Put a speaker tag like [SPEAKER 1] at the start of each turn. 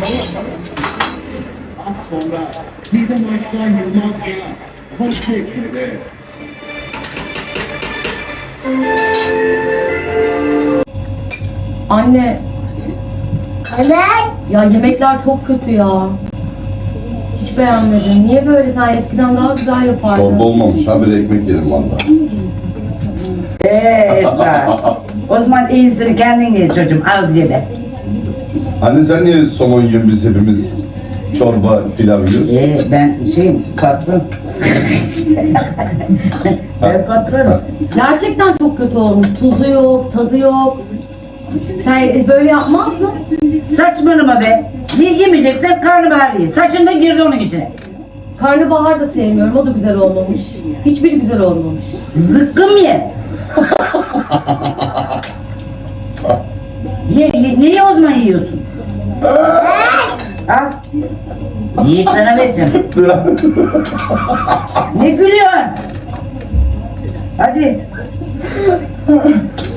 [SPEAKER 1] Az sonra Didem Arslan Yılmaz'la vazgeçmedi.
[SPEAKER 2] Anne,
[SPEAKER 3] Evet.
[SPEAKER 2] ya yemekler çok kötü ya. Hiç beğenmedim. Niye böyle? Sen eskiden daha güzel yapardın.
[SPEAKER 4] Çorba olmamış ha, bir ekmek yedim valla.
[SPEAKER 5] Esra. O zaman iyisini kendin ye çocuğum, az ye de.
[SPEAKER 4] Anne sen niye somon yiyorsun, biz hepimiz çorba, pilav yiyoruz?
[SPEAKER 5] Ben patron. Ben patronum.
[SPEAKER 2] Gerçekten çok kötü olmuş. Tuzu yok, tadı yok. Sen böyle yapmazdın.
[SPEAKER 5] Saçmalama be. Niye yemeyeceksen karnabahar ye. Saçın da girdi onun içine.
[SPEAKER 2] Karnabahar da sevmiyorum. O da güzel olmamış. Hiçbiri güzel olmamış.
[SPEAKER 5] Zıkkım ye. Niye o zaman yiyorsun? Al. Yiğit sana vereceğim. Ne gülüyorsun? Hadi.